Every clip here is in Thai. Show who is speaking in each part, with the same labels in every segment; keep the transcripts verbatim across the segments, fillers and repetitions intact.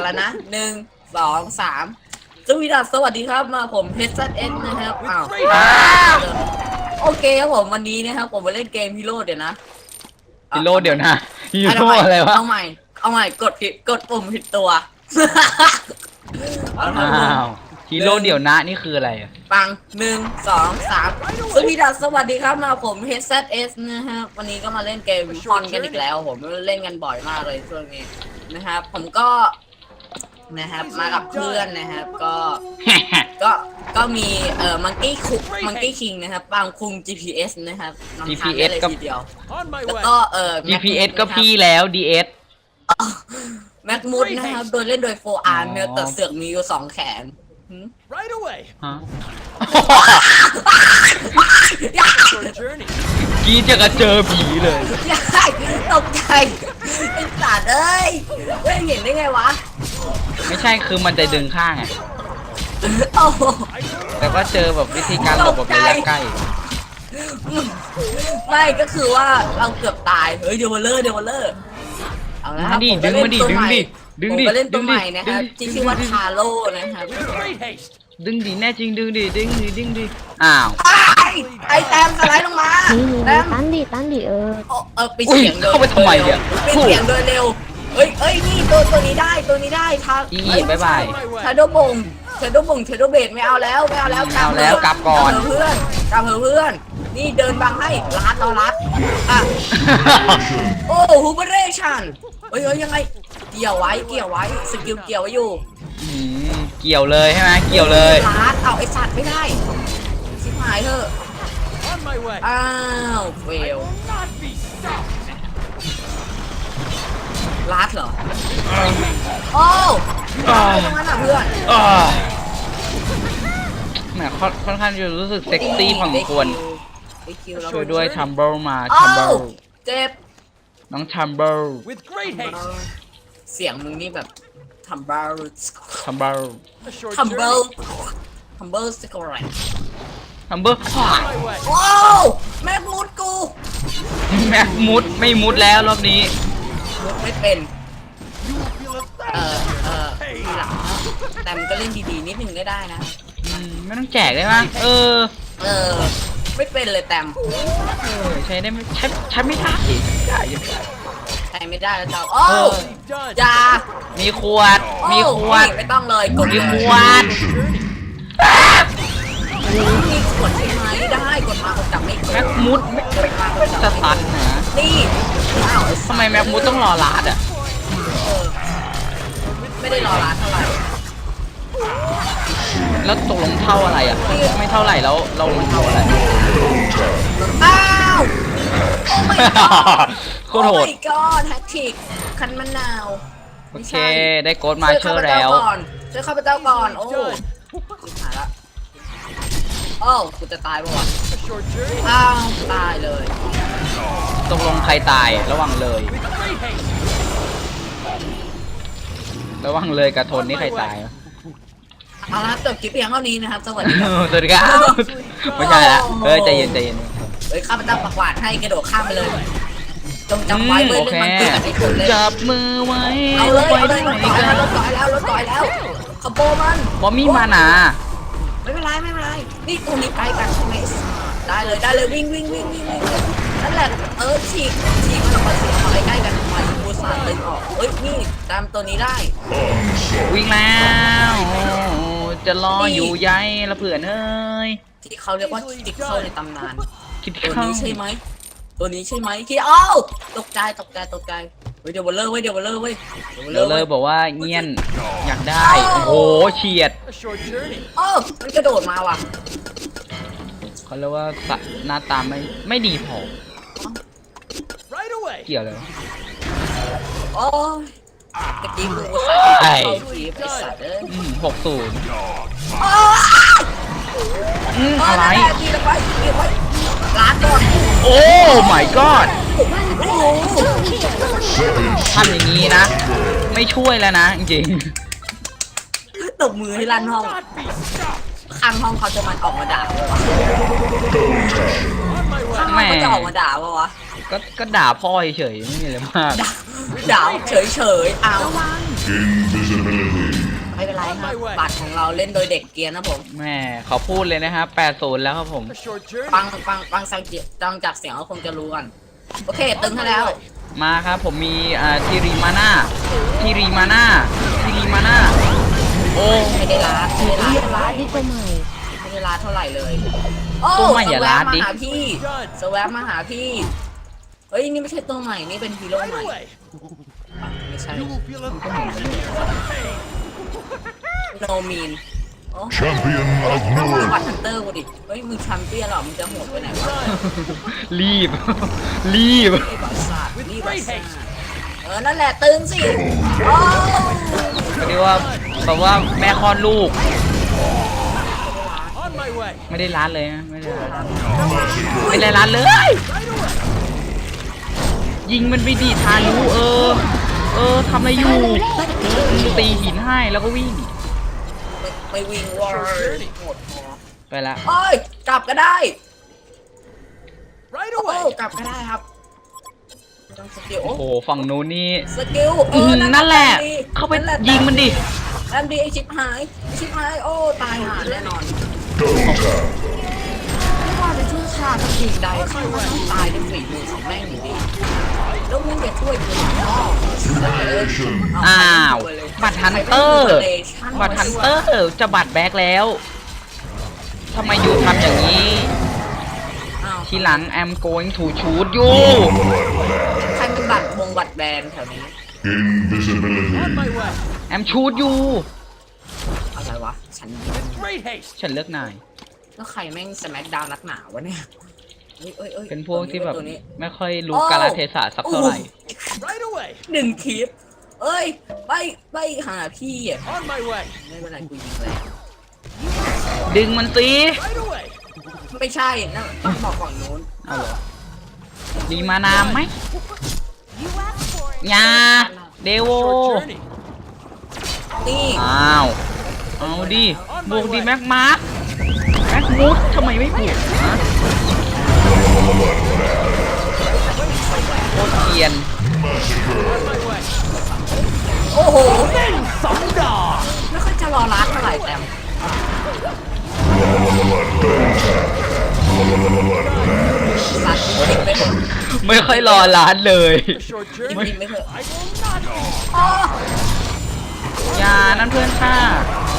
Speaker 1: แล้วนะหนึ่งสองสามสวีดัสสวัสดีครับมาผมเพชรซัดเอ็กนะครับอ้าวโอเคครับผมวันนี้นะครับผมมาเล่นเกมฮีโร่เดี๋ยวนะ
Speaker 2: ฮีโร่เดี๋ยวนะฮีโร่อะไรวะ
Speaker 1: เอาใหม่เอาใหม่กดผิดกดปุ่มผิดตัว
Speaker 2: อ้าวฮีโร่เดี๋ยวนะนี่คืออะไรอ่ะ
Speaker 1: ปังหนึ่งสองสามสวีดัสสวัสดีครับมาผมเพชรซัดเอสนะครับวันนี้ก็มาเล่นเกมฮอนกันอีกแล้วผมเล่นกันบ่อยมากเลยช่วงนี้นะครับผมก็นะครับมากับเพื่อนนะครับก็ก็ก็มีเอ่อมังกี้คุกมังกี้คิงนะครับบางคุง จี พี เอส นะครับนำทางได้เลยทีเดียวแล้วก็เอ่อ
Speaker 2: จี พี เอส ก็พี่แล้ว ดี เอส
Speaker 1: แม็กมุดนะครับโดยเล่นโดยโฟอาร์เมลแต่เสือกมีอยู่สองแขน
Speaker 2: ฮะกี้จะกระเจอผีเลย
Speaker 1: ตกใจไอ้สัตว์เอ้ยไม่เห็นได้ไงวะ
Speaker 2: ไม่ใช่คือมันจะดึงข้างไงแต่ก็เจอแบบวิธีการหลบแบบระยะใกล้
Speaker 1: ไม่ก็คือว่าเราเกือบตายเฮ้ยเดี๋ยวมาเลอร์เดี๋ยวมาเลอร์เอาละครับผมก็เล่นตัวใหม่ผมก็เล่นตัวใหม่นะครับที่ชื่อว่าทาโร่นะครับ
Speaker 2: ดึงดิแน่จริงดึงดิดึงดิดึงดิอ้าว
Speaker 1: ไอแตมสไลด์ลงมาแตม
Speaker 3: ตั้นดิตั้นดิเออ
Speaker 1: เออไปเสียงโดย
Speaker 2: เข้าไปทำไมเนี่ย
Speaker 1: ไปเสียงโดยเร็วเอ้ยเอ้ยนี่ตัวตัวนี้ได้ตัวนี้ได้ทา
Speaker 2: อีบายบาย
Speaker 1: ชาโดบงชาโดบงชาโดเบดไม่เอาแล้วไม่เอาแล้วกลับ
Speaker 2: แล้วกลับก่อน
Speaker 1: เพื่อนกลับเพื่อนนี่เดินบังให้ลัดต่อลัดอ่ะโอ้ฮูเบเรชันเฮ้ยยังไงเกี่ยวไว้เกี่ยวไว้สกิลเกี่ยวไว้อยู่
Speaker 2: เกี่ยวเลยใช่ไหมเกี่ยวเลย
Speaker 1: ลัดเอาไอสัตว์ไม่ได้ชิบหายเถอะอ้าวเฟลลัดเหรอโอ้ตรงนั้นอ่ะเพื่อน
Speaker 2: แหมค่อนข้างจะรู้สึกเซ็กซี่พอสมควรช่วยด้วยทัมเบิลมาทัมเบิล
Speaker 1: เจ็บ
Speaker 2: น้องทัมเบิล
Speaker 1: เสียงมึงนี่แบบทัมเบิล
Speaker 2: ทัมเบิล
Speaker 1: ทัมเบิลทัมเบิลสกอร์ไร
Speaker 2: ทัมเบิล
Speaker 1: โอ้แม็กมุดกู
Speaker 2: แม็กมุดไม่มุดแล้วรอบนี้
Speaker 1: มุดไม่เป็นเออเออทีหลังแต่มันก็เล่นดีๆนิดนึงก็ได้นะ
Speaker 2: ไม่ต้องแจกได้ไหมเออ
Speaker 1: เออไม่เป็นเลยแต้ม
Speaker 2: ใช้ได้ไม่ใช้ใช้ไม่ได้ได้ยังไง
Speaker 1: ใช้ไม่ได้แล้วเจ้าโอ้ยา
Speaker 2: มีขวดมีขวด
Speaker 1: ไม่ต้องเลยกด
Speaker 2: มีขวด
Speaker 1: มีขวดใช่ไหมได้กดมากดจับไม่
Speaker 2: แม็กมุดไม่สตันนะ
Speaker 1: นี่
Speaker 2: ทำไมแม็กมุดต้องรอลาดอ่ะ
Speaker 1: ไม่ได้รอลาดเท่าไหร่
Speaker 2: แล้วตกลงเท่าอะไรอ่ะไม่เท่าไหร่แล้วเราลงเท่าอะไร
Speaker 1: อ้าวโอ้ my god
Speaker 2: โคตรโหด
Speaker 1: โอ้ my god แฮตทริกคันมะนาว
Speaker 2: โอเคได้โกดมาเชอร์แล้ว
Speaker 1: ช่วยข้าพเจ้าก่อนโอ้หายละโอ้กูจะตายป่ะวะอ้าวตายเลย
Speaker 2: ตกลงใครตายระวังเลยระวังเลยกระทนนี่ใครตาย
Speaker 1: เอาละจบคลิปเพียงเท่านี้นะครับสวัสดีครับ
Speaker 2: สวัสดีครับไม่ใช่ละเฮ้ยใจเย็นใจเย็น
Speaker 1: เฮ้ยข้าพเจ้าประกวาดให้กระโดดข้ามไปเลยจงจำไว้เมื่อเล่นมันเกิดกับไอ้คนเลย
Speaker 2: จับมือไว้
Speaker 1: เอาเลยเอาเลยรถต่อยแล้วรถต่อยแล้วรถต่อยแล้วขโมยมัน
Speaker 2: บอมมี่มาหนา
Speaker 1: ไม่เป็นไรไม่เป็นไรนี่ตรงนี้ใกล้กันใช่ไหมได้เลยได้เลยวิ่งวิ่งวิ่งวิ่งวิ่งนั่นแหละเออฉีกฉีกมันออกมาฉีกออกมาใกล้กันมาบูซาตึงออกเฮ้ยนี่ตามตัวนี้ได้
Speaker 2: วิ่งแล้วจะรออยู่ใยละเผื่อเอ้ย
Speaker 1: ที่เขาเรียกว่าติ๊กเข้าในตำนานตัวนี้ใช่ไหมตัวนี้ใช่ไหมที่เอ้าตกใจตกใจตกใจเฮ้ยเดี๋ยวบอลเลอร์เว้ยเดี๋ยวบอลเลอร์เว้ย
Speaker 2: เดี๋ยวเลยบอกว่าเงียนอยากได้โอ้โหเฉียด
Speaker 1: โอ้มันกระโดดมาว่ะ
Speaker 2: เขาเรียกว่าหน้าตาไม่ไม่ดีพอเกี่ยวเลย
Speaker 1: โอ้ตะกี้กูใส่เข้าทีไปสัตว์เลย
Speaker 2: หกศูนย์
Speaker 1: อะไรทีละไปทีละไปล้านก่อน
Speaker 2: โอ้ my god ทำอย่างนี้นะไม่ช่วยแล้วนะจริง
Speaker 1: ตบมือให้ลั่นห้องข้างห้องเขาจะมันออกมาด่าถ้า
Speaker 2: แหม่
Speaker 1: เขาจะออกมาด่าปะวะ
Speaker 2: ก็ก็ด่าพ่อเฉยๆไม่มีอะไรมาก
Speaker 1: ด่าเฉยเฉยๆเอา
Speaker 3: Invisibility.
Speaker 1: ไม่เป็นไรครับบัตรของเราเล่นโดยเด็กเกรียนนะผม
Speaker 2: แม่เขาพูดเลยนะครับแปดศูนย์แล้วครับผม
Speaker 4: A short journey.
Speaker 1: ฟังฟังฟังสังเกตฟังจากเสียงก็คงจะรู้กัน โอเค ตึงให้แล้ว
Speaker 2: มาครับผมมีอ่าทีรีมาน่าทีรีมาน่าทีรีมาน่าโอ้
Speaker 1: ไม่ได้ล้าไม่ได้ล้า
Speaker 5: เรียกร้านที่ตัวใหม่
Speaker 1: ไม่ได้ล้าเท่าไหร่เลย โอ้
Speaker 2: ตัวใหม่อย่าล้าดิ
Speaker 1: สแวะมาหาพี่สแวะมาหาพี่ เฮ้ย นี่ไม่ใช่ตัวใหม่ นี่เป็นฮีโร่ใหม่
Speaker 4: Right away.
Speaker 1: ไม่ใช่
Speaker 4: You will feel a
Speaker 1: โนมีนโอ้
Speaker 3: Champion of
Speaker 1: ต้องมาบัต
Speaker 3: Newark.
Speaker 1: รฮันเตอร์กูดิ เฮ้ย มึงแชมเปี้ยนเหรอ มึงจะโหดไปไหนวะ
Speaker 2: รีบ รีบ
Speaker 1: ไอ้บัตรศาสตร์นี่บัตรศาสตร์เออ นั่นแหละตึงสิโอ้
Speaker 2: ก็เรียกว่าแบบว่าแม่คลอดลูก
Speaker 4: on my way.
Speaker 2: ไม่ได้ร้านเลยนะไม่ได้ร้านไม่ได้ร้านเลย ยิงมันไปดีทานุเออ เออทำอะไรอยู่อืมตีหินให้แล้วก็วิ่ง
Speaker 1: ไม่วิ่งวอร์โหดพอ
Speaker 2: ไปละ
Speaker 1: โอ้ย กลับก็ได้
Speaker 4: Right
Speaker 1: โอ้
Speaker 4: away.
Speaker 1: กลับก็ได้ครับต้องสกิล
Speaker 2: โอ้โหฝั่งนู้นนี่
Speaker 1: สกิลเอ
Speaker 2: อื
Speaker 1: อ
Speaker 2: มนั่นแหละ
Speaker 1: ดี
Speaker 2: เข้าไป
Speaker 1: นั่นแหละ
Speaker 2: ยิงมันดิ
Speaker 1: แอมดีไอชิปหายไอชิปหาย โอ้ ตายหาแน่นอน
Speaker 3: Double tap.
Speaker 1: ไม่ว่าจะช่วยชาติทีใดข้าก็ต้องตายด้วยฝีมือของแม่งอยู่ดีแล้วมึงจะช่วยกูหรอ
Speaker 3: Humiliation.
Speaker 2: อ้าว บัตรฮันเตอร์ บัตรฮันเตอร์จะบัตรแบ็กแล้วทำไมอยู่ทำอย่างนี้
Speaker 1: อ้าว
Speaker 2: ทีหลัง I'm going to shoot you
Speaker 1: ใครเป็นบัตรวงบัตรแบนแถวนี้
Speaker 3: Invisibility.
Speaker 4: On my way.
Speaker 2: I'm shoot you
Speaker 1: อะไรวะ ฉัน
Speaker 4: With great haste.
Speaker 2: ฉันเลือกนาย
Speaker 1: แล้วใครแม่งสแมกดาวนักหนาวะเนี่ยเอ้ยเอ้ยอ้ย
Speaker 2: เป็นพวกที่แบบ
Speaker 1: ตัวนี้
Speaker 2: ไม่ค่อยรู้กาลเทศะสักเท่าไหร่
Speaker 4: Right away.
Speaker 1: หนึ่งคลิป เอ้ย ไปไปหาพี่อ่ะ
Speaker 4: On my way.
Speaker 1: ไม่เป็นไรกูยิงแล้ว
Speaker 2: ดึงมันสิ
Speaker 4: Right away.
Speaker 1: ไม่ใช่นั่นต้องบอกฝั่งนู้น
Speaker 2: เอาเหรอดีมานามไหมยาเดโว
Speaker 4: Short journey.
Speaker 1: นี่
Speaker 2: อ้าว เอาดิ บวกดิแม็กมาร์คแม็กมูดทำไมไม่บวกฮะโคตรเกรียน
Speaker 4: On my way.
Speaker 1: โอ้โห
Speaker 4: Some dog.
Speaker 1: ไม่ค่อยจะรอรัดเท่าไหร่แต่ สัตว์จริงๆไม่เคย
Speaker 2: ไม่ค่อยรอร้านเลย
Speaker 4: A short
Speaker 1: จ
Speaker 4: journey.
Speaker 1: ริงๆไม่เคย
Speaker 4: I will not.
Speaker 1: อ๋อ
Speaker 2: อย่านั่นเพื่อนข้า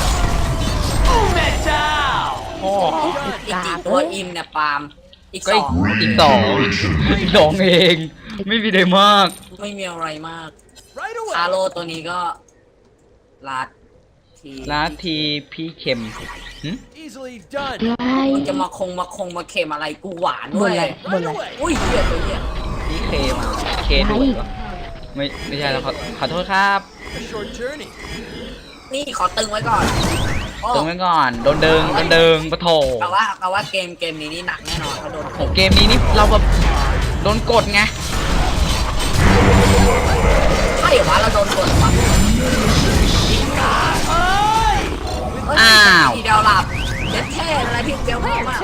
Speaker 4: Metal.
Speaker 2: พ่อ
Speaker 1: อีกกี่ตัวอิมเนี่ยปาล์มอีก
Speaker 2: ก็
Speaker 1: ส
Speaker 2: อี
Speaker 1: อก ง
Speaker 2: อีกสองอีกสองเอง ไม่มีอะไรมาก
Speaker 1: ไม่มีอะไรมาก
Speaker 4: Right
Speaker 1: คา
Speaker 4: away.
Speaker 1: โลตัวนี้ก็ลัดที
Speaker 2: ร้านทีพี่เข็มหึ
Speaker 4: Easily done.
Speaker 5: ใช่
Speaker 1: มึงจะมาคงมาคงมาเค็มอะไรกูหวาน
Speaker 5: บ
Speaker 1: ด้วน ย
Speaker 5: อะไรบน
Speaker 4: Right
Speaker 5: อะไร
Speaker 4: away.
Speaker 1: อุ้ยเหี้ยตัวเหี้ย
Speaker 2: พี่เคมาเคด้วยเหรอไม่ไม่ใช่แล้วขอขอโทษครับ
Speaker 4: A short journey.
Speaker 1: นี่ขอตึงไว้ก่อนโอ้
Speaker 2: ตึงไว้ก่อน โดนเดิงโดนเดิงปะโถ
Speaker 1: แปลว่าแปลว่าเกมเกมนี้นี่หนักแน่นอนเขาโดน
Speaker 2: โหเกมนี้นี่เราแบบโดนกดไง
Speaker 1: ใช่เหรอวะเราโดนกดเหรอวะเอ้ย
Speaker 2: อ้าว
Speaker 1: ทีเดียวหลับเด็ดเท่อะไรที่เดียวมากมาก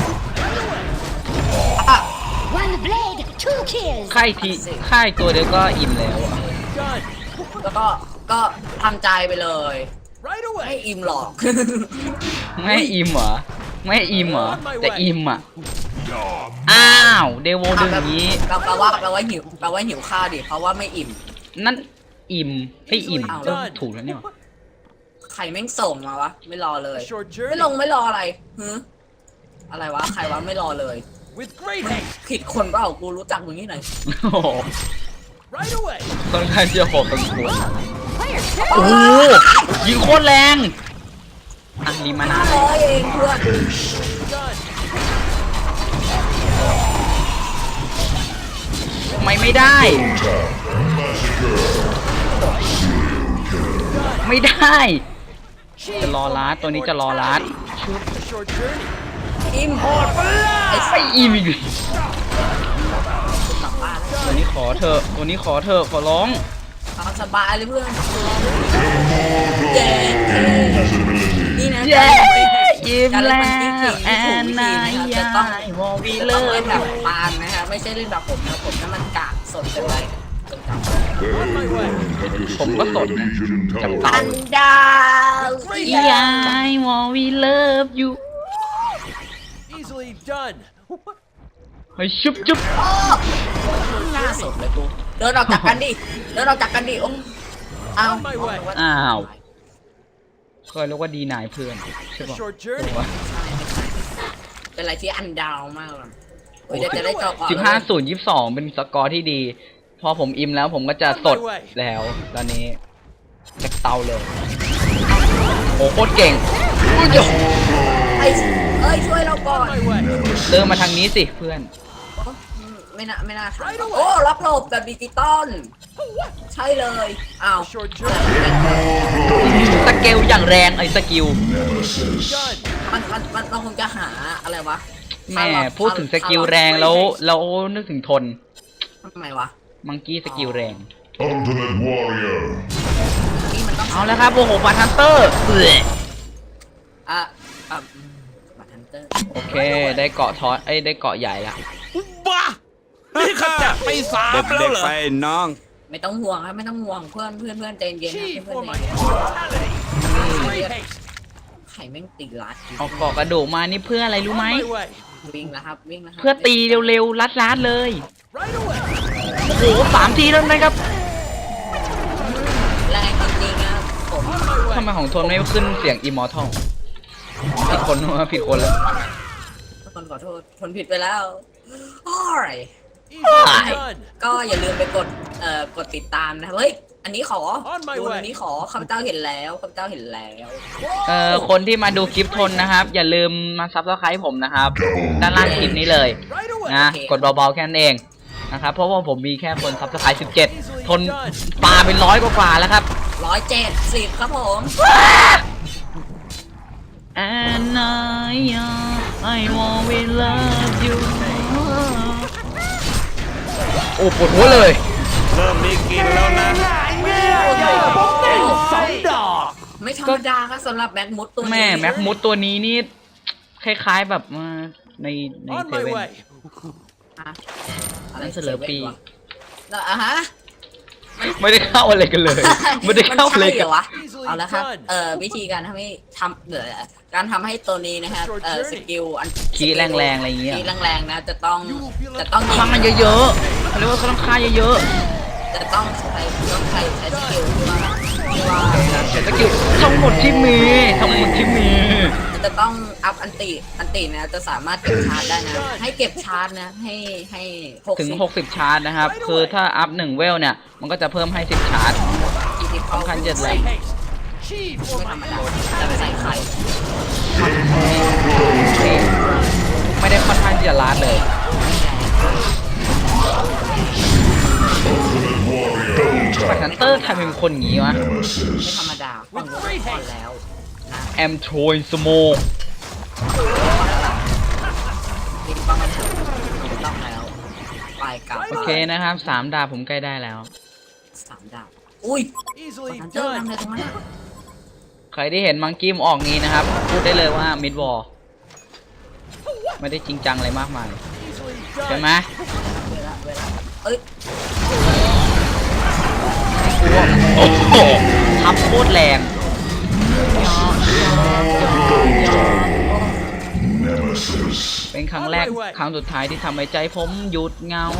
Speaker 1: อ่ะ
Speaker 5: One blade two kills
Speaker 2: ค่ายทีค่ายตัวเดียวก็อิ่มแล้วอะ
Speaker 4: Done.
Speaker 1: แล้วก็ก็ทำใจไปเลย
Speaker 4: Right
Speaker 1: ไม่
Speaker 4: away.
Speaker 1: อิ่มหรอก
Speaker 2: ไม่อิ่มเหรอ ไม่อิ่มเหรอ แต่อิ่มอ่ะ อ้าวเดโวดึงอย่างนี้
Speaker 1: เราแปลว่าแปลว่าหิวแปลว่าหิวข้าวดิเพราะว่าไม่อิ่ม
Speaker 2: นั่นอิ่มให้อิ่ม
Speaker 1: อ้าว
Speaker 2: ก็ถูกแล้วเนี่ย
Speaker 1: ใครแม่งส่งมาวะ ไม่รอเลย
Speaker 4: A short
Speaker 1: ไม่
Speaker 4: journey.
Speaker 1: ลงไม่รออะไรฮึอะไรวะ ใครวะไม่รอเลย
Speaker 4: With great haste.
Speaker 1: ผิดคนเปล่ากูรู้จักมึงที่ไหน
Speaker 2: โอ้โห
Speaker 4: Right away.
Speaker 2: ค่อนข้างจะโหดพอสมควรโอ้โหยิงโคตรแรง อ่ะรีมานา
Speaker 1: ร้อยเองเพื่อน
Speaker 4: Done.
Speaker 2: ทำไมไม่ได้ ไม่ได้ จะรอลัดตัวนี้จะรอลัด
Speaker 4: A short journey.
Speaker 1: อิ่ม
Speaker 2: ไอ้อิ่มอีก
Speaker 1: กลับบ้านแล้ว
Speaker 2: ตัวนี้ขอเถอะตัวนี้ขอเถอะขอร้อง
Speaker 1: เอาสบายเลยเพื่อนเย้นี่นะ
Speaker 2: เย้อิ่ม
Speaker 1: การ
Speaker 2: แล้
Speaker 1: เล่นมัน
Speaker 2: have an eye
Speaker 1: จะต้อง
Speaker 2: what we
Speaker 1: จะต้องเล่น
Speaker 2: love
Speaker 1: แบบปานนะครับไม่ใช่เล่นแบบผมนะผมนั่นมันกากสดเกินไปจนกลับ
Speaker 4: On my way.
Speaker 2: ผมก็สดนะ
Speaker 3: Legion
Speaker 2: จับ
Speaker 3: Tower.
Speaker 2: ตา
Speaker 1: อันดาว
Speaker 2: I want we love you
Speaker 4: Easily done.
Speaker 2: เฮ้ยชุบชุบ
Speaker 1: หน้าสดเลยกูเดินออกจากกันดิเดินออกจากกันดิโอ้เอา
Speaker 4: On my way.
Speaker 2: อ้าวเคยเรียกว่าดีนายเพื่อนใช่
Speaker 4: A
Speaker 2: ปะ
Speaker 4: short journey.
Speaker 1: เป็นอะไรที่อันดาวมากเลยเฮ้ยเดี๋ยวจะได้จบก่อน
Speaker 2: สิบห้าศูนย์ยี่สิบสองเป็นสกอร์ที่ดี พอผมอิ่มแล้วผมก็จะสดแล้วตอนนี้จากเตาเลย โอ้โคตรเก่งอุ้ยโย
Speaker 1: ไอ้เอ้ยช่วยเราก่อน
Speaker 4: On my way.
Speaker 2: เดินมาทางนี้สิเพื่อน
Speaker 1: ไม่น่าไม่น่าทันโอ้รับหลบแบบดิจิตอลใช่เลยอ้าว
Speaker 4: A short journey.
Speaker 2: สเกลอย่างแรงไอ้สกิล
Speaker 3: Nemesis.
Speaker 4: Done.
Speaker 1: มันมันมันเราคงจะหาอะไรวะ
Speaker 2: แม่พูดถึงสกิลแรงแล้วแล้วนึกถึงทน
Speaker 1: ทำไมวะ
Speaker 2: มังกี้สกิลแรง
Speaker 3: Ultimate Warrior.
Speaker 1: นี่มันต้อง
Speaker 2: เอาแล้วครับโอ้โหบัตฮันเตอร์เอ้ย
Speaker 1: อ่ะอ่ะบัตรฮันเตอร์
Speaker 2: โอเคได้เกาะทอสเอ้ยได้เกาะใหญ่ละ
Speaker 6: บ้านี่ขจัดไปสามแล้วเหรอไปน้อง
Speaker 1: ไม่ต้องห่วงครับไม่ต้องห่วงเพื่อนเพื่อนเพื่อนใจเย็นนะ
Speaker 4: Chi
Speaker 1: เพื่อน
Speaker 4: for
Speaker 1: ใจ
Speaker 4: my
Speaker 1: เย็น
Speaker 4: immortality. Great haste.
Speaker 1: ไข่แม่งตีลัด
Speaker 2: เอาเกาะกระดูกมานี่เพื่ออะไรรู้
Speaker 4: On
Speaker 2: ไหม
Speaker 4: my way.
Speaker 1: วิ่งแล้วครับวิ่งแล้วครับ
Speaker 2: เพื่อตีเร็วๆลัดๆเลย
Speaker 4: Right away.
Speaker 2: โอ้โหสามทีแล้วนะครับ
Speaker 1: แรงจริงๆนะผม
Speaker 4: On my
Speaker 2: ทำไม
Speaker 4: way.
Speaker 2: ของทนไม่ขึ้นเสียงอิมมอร์ทัลผิดคนวะผิดคนแล้ว
Speaker 1: คนขอโทษคนผิดไปแล้วโอ้ย
Speaker 4: Easily done.
Speaker 1: ก็อย่าลืมไปกดเอ่อกดติดตามนะเฮ้ยอันนี้ขอ
Speaker 4: On my
Speaker 1: ดู
Speaker 4: way
Speaker 1: อันนี้ขอคำเจ้าเห็นแล้วคำเจ้าเห็นแล้ว
Speaker 2: เอ่อคนที่มาดูคลิปทนนะครับ อย่าลืมมาซับสไครต์ผมนะครับ ด้านล่างคลิปนี้เลย
Speaker 4: Right away.
Speaker 2: นะกดเบาๆแค่นั้นเองนะครับเพราะว่าผมมีแค่คนซับสไครต์สิบเจ็ดทนปลาเป็นร้อยกว่าๆแล้วครับ
Speaker 1: ร้อยเจ็ดสิบครับผม
Speaker 2: And I I want we love you โอ้ปวดหัวเลย
Speaker 6: เริ่มมีกินแล้วนะ
Speaker 4: สองดอก
Speaker 1: ไม่ธรรมดาครับสำหรับแม็กมุดตัวนี้
Speaker 2: แม่แม็กมุดตัวนี้นี่คล้ายๆแบบมาในใน
Speaker 4: On
Speaker 2: เซ
Speaker 4: my
Speaker 2: เว่น
Speaker 4: way.
Speaker 1: อะอะไร
Speaker 2: นั่นเสลอปี
Speaker 1: แล้วอ่ะฮะ
Speaker 2: ไม่ได้เข้าอะไรกันเลย ไม่ได้เข้าเลย
Speaker 1: มันใช่เหรอวะ
Speaker 4: Easily
Speaker 1: เอาละครับ
Speaker 4: done.
Speaker 1: เอ่อวิธีการทำให้ทำเอ่อการทำให้ตัวนี้นะครับเอ่อสกิลอัน
Speaker 2: คีย์แรงๆอะไรอย่างเงี้ย
Speaker 1: คีย์แรงๆนะจะต้องจะต้องยิ
Speaker 2: ฆ่าง เยอะๆเขาเรียกว่าเขาต้องฆ่าเยอะ
Speaker 1: จะต้องใช้ต้องใช้ใช้สกิลที่ว่าที่ว่า
Speaker 2: ๆเดี๋ยวสกิลทั้งหมดที่มีทั้งหมดที่มี
Speaker 1: จะต้องอัพอันติอันตินะจะสามารถเก็บชาร์จได้นะให้เก็บชาร์จนะให้ให้หก
Speaker 2: ถึง
Speaker 1: สิบ
Speaker 2: หกสิบชาร์จนะครับ คือถ้าอัพหนึ่งเวลเนี่ย มันก็จะเพิ่มให้สิบชาร์จ
Speaker 1: ยี่สิบ
Speaker 2: สำคัญเจ็ดแร
Speaker 4: Great
Speaker 2: ง
Speaker 4: haste. Chi
Speaker 1: ไม่
Speaker 4: for
Speaker 1: ธรร
Speaker 4: my
Speaker 1: มดาจะไปใส่ไข่
Speaker 2: ไม่ได้ค่อนข้างที่จะลาดเลย
Speaker 3: Ultimate Warrior. Double
Speaker 2: บัต
Speaker 3: tap.
Speaker 2: ฮันเตอร์ทำเป็นคนอย่างงี้วะ
Speaker 1: ไม่ธร
Speaker 3: Nemesis.
Speaker 1: รมดาฟังก่อนแล้ว
Speaker 2: แอมโทยสโมก
Speaker 1: ติดบ้างมันถูกต้องแล้วปลายกลับ
Speaker 2: โอเคนะครับสามดาบผมใกล้ได้แล้ว
Speaker 1: สามดาวอุ้ย
Speaker 4: Easily
Speaker 1: มันเจอทำ
Speaker 4: done.
Speaker 1: อะไรตรงนั้นอะ
Speaker 2: ใครที่เห็นมังกี้มออกนี้นะครับ พูดได้เลยว่ามิดวอลไม่ได้จริงจังอะไรมากมาย
Speaker 4: Easily
Speaker 2: ใช่ไหม
Speaker 4: done.
Speaker 1: เวลาเวลาเอ้ย
Speaker 2: โอ้โหทับโคตรแรง
Speaker 3: Nemesis.
Speaker 2: เป็นครั้งแรกครั้งสุดท้ายที่ทำให้ใจผมหยุดเหงา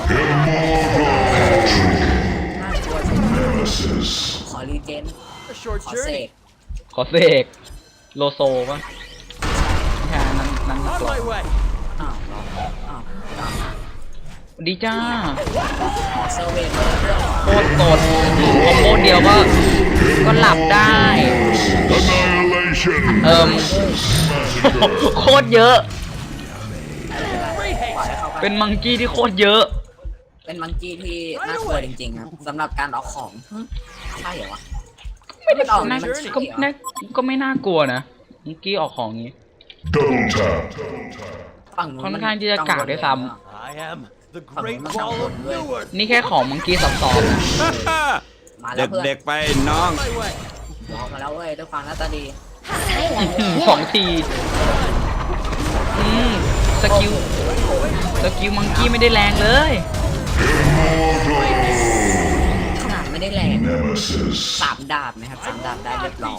Speaker 1: น่ากลัวใช่ไหม
Speaker 3: Nemesis.
Speaker 1: ขอรีเจน
Speaker 4: A short
Speaker 1: ขอเส
Speaker 4: journey.
Speaker 1: ก
Speaker 2: ขอเสกโลโซปะแค่นั้นนั้น
Speaker 4: On
Speaker 2: กรอ
Speaker 4: my way.
Speaker 1: อ้าวเหรออ้าวอ้าว
Speaker 2: ดีจ้า
Speaker 1: ขอเซอร์เวนเลยเรื่อง
Speaker 2: โคตรสดคอมโบเดียวก็ก็หลับได้
Speaker 3: Annihilation.
Speaker 2: เอิม
Speaker 3: Massacre.
Speaker 2: โคตรเยอะ
Speaker 4: Great
Speaker 1: ปล่อย
Speaker 4: haste.
Speaker 1: ให้เขาไป
Speaker 2: เป็นมังกี้ที่โคตรเยอะ
Speaker 1: เป็นมังกี้ที่น่ากลัวจริงๆครับสำหรับการออกของหึใช่เหรอวะ
Speaker 2: ไม่ได้
Speaker 1: ออก
Speaker 2: น่า
Speaker 1: มันใช่
Speaker 2: ก็
Speaker 1: เหรอ
Speaker 2: น่าก็ไม่น่ากลัวนะมังกี้ออกของงี้
Speaker 3: Double tap.
Speaker 1: ฝั่งนู้น
Speaker 2: ค่อนข้างที่จะกากด้วยซ้
Speaker 4: I am the Great Wall of Newark.
Speaker 2: นี่แค่ของมังกี้ซับซ้อนนะ
Speaker 1: มาแล้วเพื่อน
Speaker 6: เด็กๆไปน้อง
Speaker 4: On my way.
Speaker 1: บอกมาแล้วเว้ยด้วยความหน้าตาดี
Speaker 5: Silence.
Speaker 2: สองทีอืมสกิลสกิลมังกี้ไม่ได้แรงเลย
Speaker 1: ขนาดไม่ได้แรง
Speaker 3: Nemesis.
Speaker 1: สามดาบนะครับสามดาบได้เรียบร้อย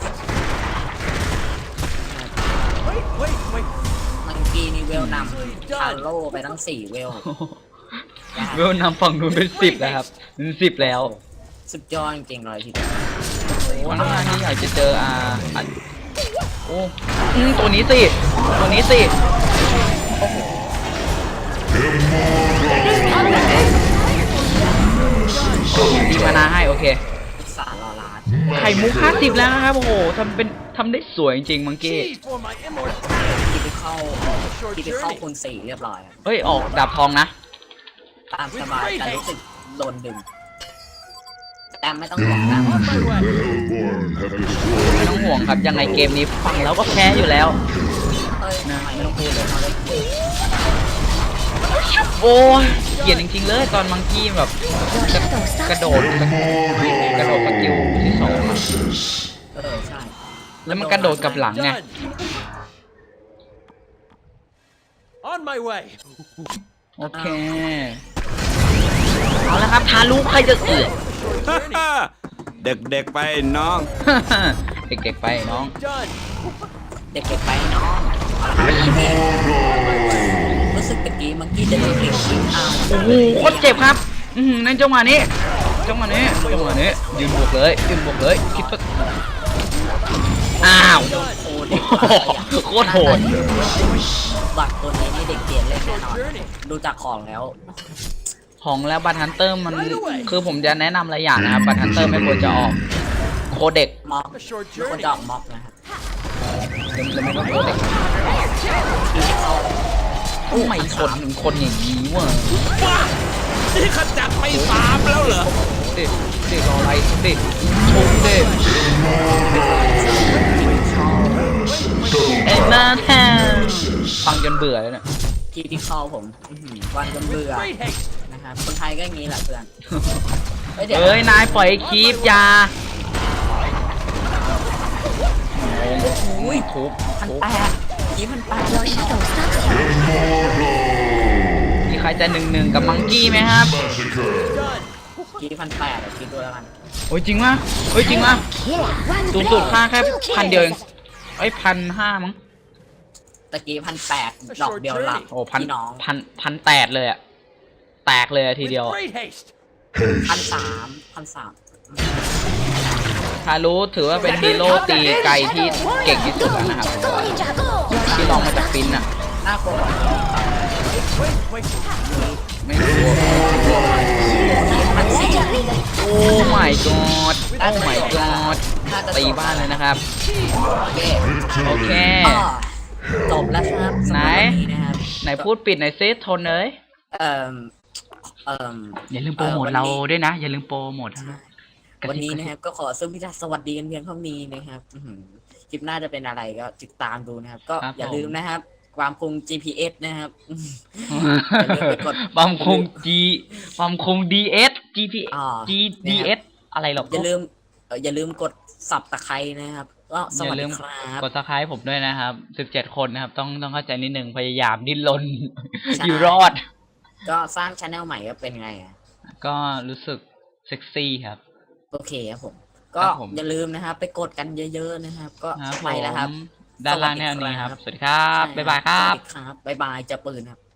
Speaker 4: Wait, wait, wait.
Speaker 1: มังกี้นี่เวลนำคาโร่ไปทั้งสี่เวล
Speaker 2: เวลนำฝั่งนู้นเป็นสิบแล้วครับเป็นสิบแล้ว
Speaker 1: สุดยอดจริงๆเลยทีเดียว
Speaker 2: วันหน้านี้อยากจะเจออาอ่ะโอ้อืมตัวนี้สิ ตัวนี้สิ ดีมานาให้โอเค
Speaker 1: สารรอลาด
Speaker 2: ไข่มุกห้าสิบแล้วนะครับ โอ้โหทำเป็นทำได้สวยจริงๆมังกี้
Speaker 4: Chi for my immortality.
Speaker 1: ที่ไปเข้าที่ไปเข้าคูณสี่เรียบร้อยครับ
Speaker 2: เฮ้ย ออกดาบทองนะ
Speaker 1: ตามสบายแต่รู้สึกโดนดึงแต่ไม่ต้องห่วงนะ
Speaker 4: On my way.
Speaker 3: The Hellborn have destroyed
Speaker 2: ไม่ต้องห่วงครับ ยังไงเกมนี้ฟังแล้วก็แพ้อยู่แล้ว
Speaker 1: เฮ้ยทำไมไม่ต้องพูดเลยเขาได้เกียรติ
Speaker 2: โอ้ยเกลียดจริงๆเลยตอนมังกี้แบบกระกระโดดกระโดดสกิลที่สองอะ
Speaker 3: Nemesis.
Speaker 1: เออใช่
Speaker 2: แล้วมันกระโดดกับหลังไง
Speaker 4: Done. On my way.
Speaker 2: โอเค เอาละครับ ทารุใครจะเอือ
Speaker 6: เด็กๆไปน้อง
Speaker 2: เด็กๆไปน้อง
Speaker 4: Done.
Speaker 1: เด็กๆไปน้องรู้สึกตะกี้มังกี้จะโดนเด็กชิงเอา
Speaker 2: โอ้โหโคตรเจ็บครับ อืมในจังหวะนี้ จังหวะนี้ จังหวะนี้ ยืนบวกเลย ยืนบวกเลย คิดว่าอ้าว
Speaker 1: โอ้เด็ก
Speaker 2: โคตรโหด
Speaker 1: บัตรตัวนี้นี่เด็กเกลียดเล่นแน่นอนดูจากของแล้ว
Speaker 2: ของแล้วบัตฮันเตอร์มัน คือผมจะแนะนำหลายอย่างนะครับ บัตฮันเตอร์ไม่ควรจะออก โคเด็ก
Speaker 1: ม็อก
Speaker 4: A short
Speaker 1: ไม่ควร
Speaker 4: journey.
Speaker 1: จะออกม็อกนะครับ
Speaker 2: แล้วไม่ก็โคเด็กทำไมคนถึงคนอย่างนี้วะ
Speaker 6: นี่ขจัดไปสามแล้วเหรอ
Speaker 2: เด็กเด็กรออะไรเด็กชมเด็กเอ็นนาแทนฟังจนเบื่อเลยเนี่ย
Speaker 1: ที่ที่เข้าผมอื้อหือวันจนเบื่อ
Speaker 4: Great haste.
Speaker 1: นะครับคนไทยก็อย่างนี้แหละเพื่อนเฮ้ยเดี๋ยว
Speaker 2: เอ้ย นายปล่อยคลิปยาอุ้ยทุบ
Speaker 1: พัน
Speaker 2: ทุบ
Speaker 1: แปดยี่พันแปด
Speaker 5: Your shadow stalks you.
Speaker 2: มีใครจะหนึ่งหนึ่งกับมังกี้ไหมครับ
Speaker 3: Massacre.
Speaker 4: Done.
Speaker 1: กี่พันแปดคิดดูแล้วกัน
Speaker 2: โอ้ยจริงวะเฮ้ยจริงวะ
Speaker 5: Killer. One
Speaker 2: สูงสุด
Speaker 5: blade.
Speaker 2: ค่าแค่
Speaker 5: Two
Speaker 2: พันเดียวเอง
Speaker 5: kills.
Speaker 2: เอ้ยพันห้ามั้ง
Speaker 1: ตะกี้พันแปดดอกเดียวหลับ
Speaker 2: โอ้พัน
Speaker 1: พี่น้อง
Speaker 2: พันพันแตดเลยอะแตกเลยอะที
Speaker 4: With
Speaker 2: เดียว
Speaker 4: great haste.
Speaker 1: พันสามพันสาม
Speaker 2: ทารุถือว่าเป็นฮีโร่ตีไกลที่เก่งที่สุด
Speaker 5: Go
Speaker 2: แล้วนะครับ
Speaker 5: ninja. Go ninja. Go.
Speaker 2: ที่ลองมาจากฟินอะ
Speaker 1: น่ากลัวกว่า
Speaker 4: Wait, wait.
Speaker 2: ไม่รู้
Speaker 1: พันสี่
Speaker 5: Legendary.
Speaker 2: โอ้ my god โอ้ my god ตีบ้านเลยนะครับ
Speaker 1: โอเค
Speaker 2: โอเค
Speaker 1: ก็จบแล้วครับสำ
Speaker 2: ไหน
Speaker 1: รับวันนี้นะครับ
Speaker 2: ไหนพูดปิดหน่อยซิทนเลย
Speaker 1: เอ่อเอ่อ
Speaker 2: อย่าลืมโปรโมทเราด้วยนะ อย่าลืมโปรโมท
Speaker 1: วันนี้นะครับก็ขอซึ่งพิธาสวัสดีกันเพียงเท่านี้นะครับอื้อหือคลิปหน้าจะเป็นอะไรก็ติดตามดูนะครับ ก็อย่าลืมนะครับ ความคง จี พี เอส นะครับ อย่าลืมไปกด
Speaker 2: ความคง G ความคง ดี เอส จี พี
Speaker 1: อ่า
Speaker 2: G ดี เอส อะไรหรอก
Speaker 1: อย่าลืมเอ่ออย่าลืมกดสับตะไคร้นะครับ ก็ส
Speaker 2: อย่า
Speaker 1: วัส
Speaker 2: ลื
Speaker 1: ดี
Speaker 2: ม
Speaker 1: ครับ
Speaker 2: กดซับสไครต์ผมด้วยนะครับสิบเจ็ดคนนะครับ ต้องต้องเข้าใจนิดนึงพยายามดิ้นรน
Speaker 1: ใช่
Speaker 2: อยู่รอด
Speaker 1: ก็สร้างช anel ใหม่ก็เป็นไงอ่ะ
Speaker 2: ก็รู้สึกเซ็กซี่ครับ
Speaker 1: โอเคครับผม ก็
Speaker 2: ครับผม
Speaker 1: อย่าลืมนะครับ ไปกดกันเยอะๆนะครับ ก็
Speaker 2: ครับผ
Speaker 1: ไปแล้วครับ
Speaker 2: มด้านล่างแนวนี้ครับ สวัสดีครับ บ๊ายบายครับ
Speaker 1: สวัสดีครับบ๊ายบายเจะปืนครับ